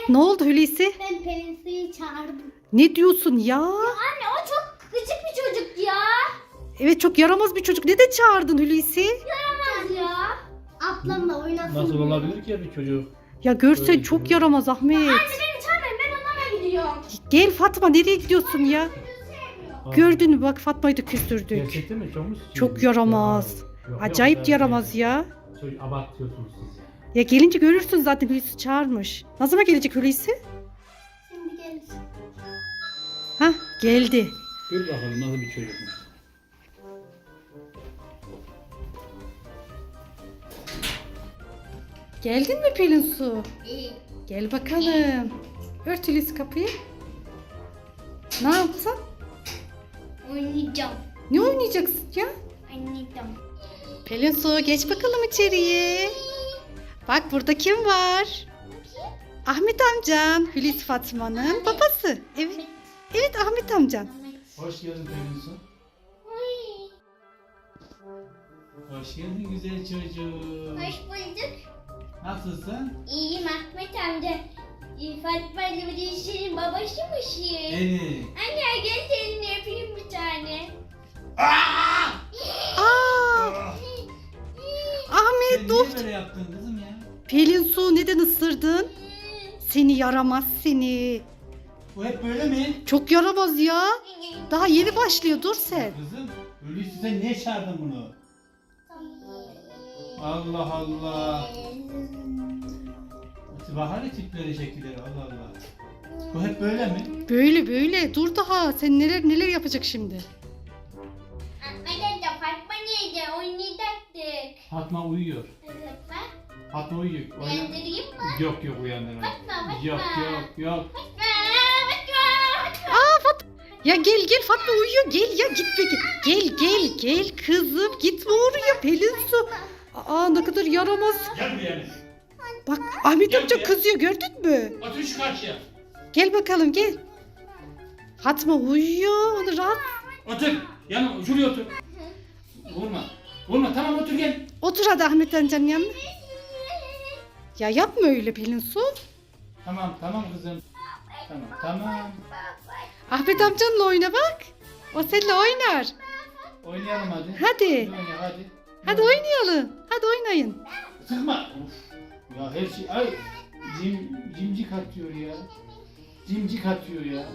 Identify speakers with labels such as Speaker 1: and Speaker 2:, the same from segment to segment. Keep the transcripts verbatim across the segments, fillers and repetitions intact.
Speaker 1: Ne oldu Hulusi?
Speaker 2: Ben Pelinsu'yu çağırdım.
Speaker 1: Ne diyorsun ya?
Speaker 2: Anne o çok gıcık bir çocuk ya.
Speaker 1: Evet, çok yaramaz bir çocuk. Neden çağırdın Hulusi?
Speaker 2: Yaramaz ya. Ablamla oynasın.
Speaker 3: Nasıl
Speaker 2: diye.
Speaker 3: olabilir ki ya bir çocuk?
Speaker 1: Ya görsen
Speaker 3: Öyle
Speaker 1: çok
Speaker 3: bir-
Speaker 1: yaramaz Ahmet.
Speaker 2: Anne beni çağırmayın, ben onlara gidiyorum.
Speaker 1: Gel Fatma, nereye gidiyorsun ya?
Speaker 2: Sevmiyor.
Speaker 1: Gördün mü bak, Fatma'yı da küstürdük.
Speaker 3: Gerçekten mi? Çok mu?
Speaker 1: Çok yaramaz.
Speaker 3: Ya, yok,
Speaker 1: Acayip
Speaker 3: yok,
Speaker 1: yaramaz ya.
Speaker 3: Çocuk abartıyorsunuz siz ya.
Speaker 1: Ya gelince görürsün zaten, Hulusi çağırmış. Ne zaman gelecek Hulusi?
Speaker 2: Şimdi gelir.
Speaker 1: Hah, geldi.
Speaker 3: Dur bakalım nasıl bir çocukmuş.
Speaker 1: Geldin mi Pelinsu?
Speaker 2: İyi.
Speaker 1: Gel bakalım. Ört Hulusi kapıyı. Ne yaptın?
Speaker 2: Oynayacağım.
Speaker 1: Ne oynayacaksın ya?
Speaker 2: Oynayacağım.
Speaker 1: Pelinsu, geç bakalım içeriye. Bak, burada kim var? Ahmet amcan, Hulusi Fatma'nın babası. Evet, evet Ahmet amcan.
Speaker 3: Hoş geldin Pelinsu.
Speaker 2: Oy.
Speaker 3: Hoş geldin güzel çocuğum.
Speaker 2: Hoş bulduk.
Speaker 3: Nasılsın?
Speaker 2: İyiyim Ahmet amca. Ee, Fatma ile bir işin babasıymışsın.
Speaker 3: Evet.
Speaker 2: Anne gel seninle öpeyim bir tane.
Speaker 1: Aa,
Speaker 3: Sen
Speaker 1: Ahmet dur.
Speaker 3: niye böyle yaptın kızım ya?
Speaker 1: Pelinsu, neden ısırdın? Seni yaramaz seni.
Speaker 3: Bu hep böyle mi?
Speaker 1: Çok yaramaz ya. Daha yeni başlıyor, dur sen.
Speaker 3: Kızım, öyleyse sen niye çağırdın bunu? Allah Allah. Bahane tipleri şekilleri Allah Allah. Bu hep böyle mi?
Speaker 1: Böyle böyle dur daha. Sen neler neler yapacak şimdi?
Speaker 2: Anne de Fatma neydi? Oynayacaktık.
Speaker 3: Fatma uyuyor.
Speaker 2: Evet bak.
Speaker 3: Fatma uyuyor. Uyan-
Speaker 2: Uyandırayım mı?
Speaker 3: Yok yok uyandırma.
Speaker 2: Fatma, Fatma.
Speaker 3: Yok yok yok.
Speaker 2: Fatma, Fatma, Fatma.
Speaker 1: Aa Fatma. Ya gel gel, Fatma uyuyor. Gel ya, gitme gel. Gel gel gel kızım, gitme oraya Pelinsu. Aa, ne kadar yaramaz.
Speaker 3: Gel buraya.
Speaker 1: Bak Ahmet
Speaker 3: Gel
Speaker 1: amca
Speaker 3: buraya.
Speaker 1: kızıyor, gördün mü?
Speaker 3: Otur şu karşıya.
Speaker 1: Gel bakalım gel. Fatma uyuyor, onu rahat.
Speaker 3: Otur. Yanıma şuraya otur. Vurma. Vurma tamam otur gel.
Speaker 1: Otur hadi Ahmet amcanın yanına. Ya yapma öyle Pelinsu.
Speaker 3: Tamam tamam kızım. Tamam tamam.
Speaker 1: Ahmet amcanla oyna bak. O seninle oynar.
Speaker 3: Oynayalım hadi.
Speaker 1: Hadi.
Speaker 3: Oyna hadi.
Speaker 1: Hadi oynayalım. Hadi oynayın.
Speaker 3: Sıkma. Of. Ya her şey ay cim cimcik atıyor ya. Cimcik atıyor ya.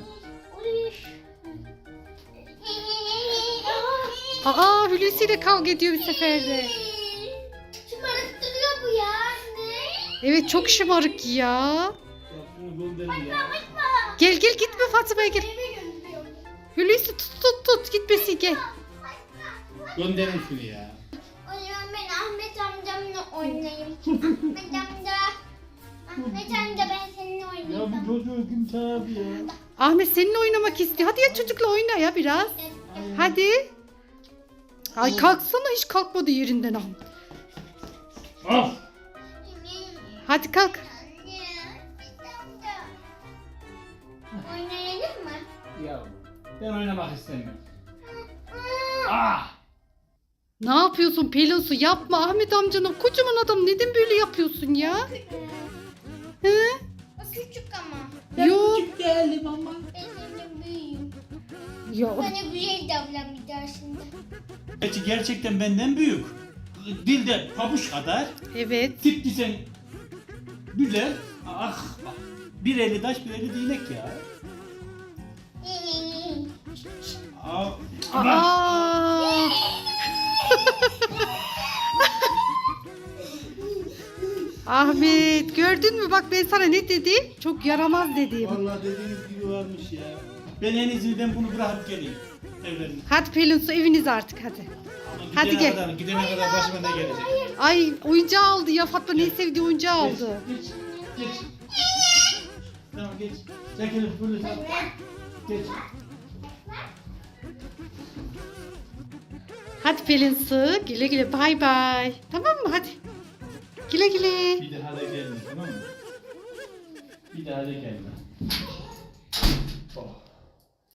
Speaker 1: Aa, Hulusi ile kavga ediyor bir seferde.
Speaker 2: Şımarıktırıyor bu ya anne.
Speaker 1: Evet, çok şımarık ya.
Speaker 3: Ya şunu gönderin ya.
Speaker 1: Gel gel, gitme Fatma'ya gel.
Speaker 2: Eve gönderiyor.
Speaker 1: Hulusi tut tut tut, gitmesin gel.
Speaker 3: Gönderin şunu ya.
Speaker 2: O zaman ben Ahmet amcamla oynayayım. Ahmet amca. Ahmet amca ben seninle
Speaker 3: Ya
Speaker 2: oynayacağım.
Speaker 3: bu çocuğu kim çağırdı ya?
Speaker 1: Ahmet seninle oynamak istiyor. Hadi ya, çocukla oyna ya biraz. Hadi. Ay kalksana, hiç kalkmadı yerinden Ahmet.
Speaker 3: Of.
Speaker 1: Hadi kalk.
Speaker 2: Oynayalım mı?
Speaker 3: Ya ben oynamak istemiyorum. Ah!
Speaker 1: Ne yapıyorsun Pelinsu? Yapma, Ahmet amcana kocaman adam, neden böyle yapıyorsun ya? Hı?
Speaker 2: O küçük ama.
Speaker 1: Yo.
Speaker 3: Küçük değilim ama.
Speaker 2: Ben senin büyüğüm.
Speaker 1: Ya
Speaker 2: Bana güzel davranmayacaksın.
Speaker 3: Gerçi gerçekten benden büyük. Dilde pabuç kadar.
Speaker 1: evet.
Speaker 3: Tip desen güzel. Ah! Bir eli taş bir eli değnek ya. Ah! Ama
Speaker 1: Aa. Ahmet, gördün mü bak, ben sana ne dedim? Çok yaramaz dedim.
Speaker 3: vallahi dediğiniz gibi varmış ya. Ben en iyisi ben bunu bırakıp geleyim. Evlerine.
Speaker 1: Hadi Pelinsu, eviniz artık hadi.
Speaker 3: Ama
Speaker 1: Hadi
Speaker 3: gidene
Speaker 1: gel.
Speaker 3: Kadar, gidene kadar başıma ne gelecek?
Speaker 1: Ay, oyuncağı aldı ya, Fatma ne sevdiği oyuncağı aldı.
Speaker 3: Geç, geç, geç. Tamam geç. Çekilin, fırlı tamam. Geç.
Speaker 1: Hadi Pelinsu, güle güle, bay bay. Tamam mı, hadi. Güle güle.
Speaker 3: Bir daha da gelme tamam mı? Bir daha da gelme.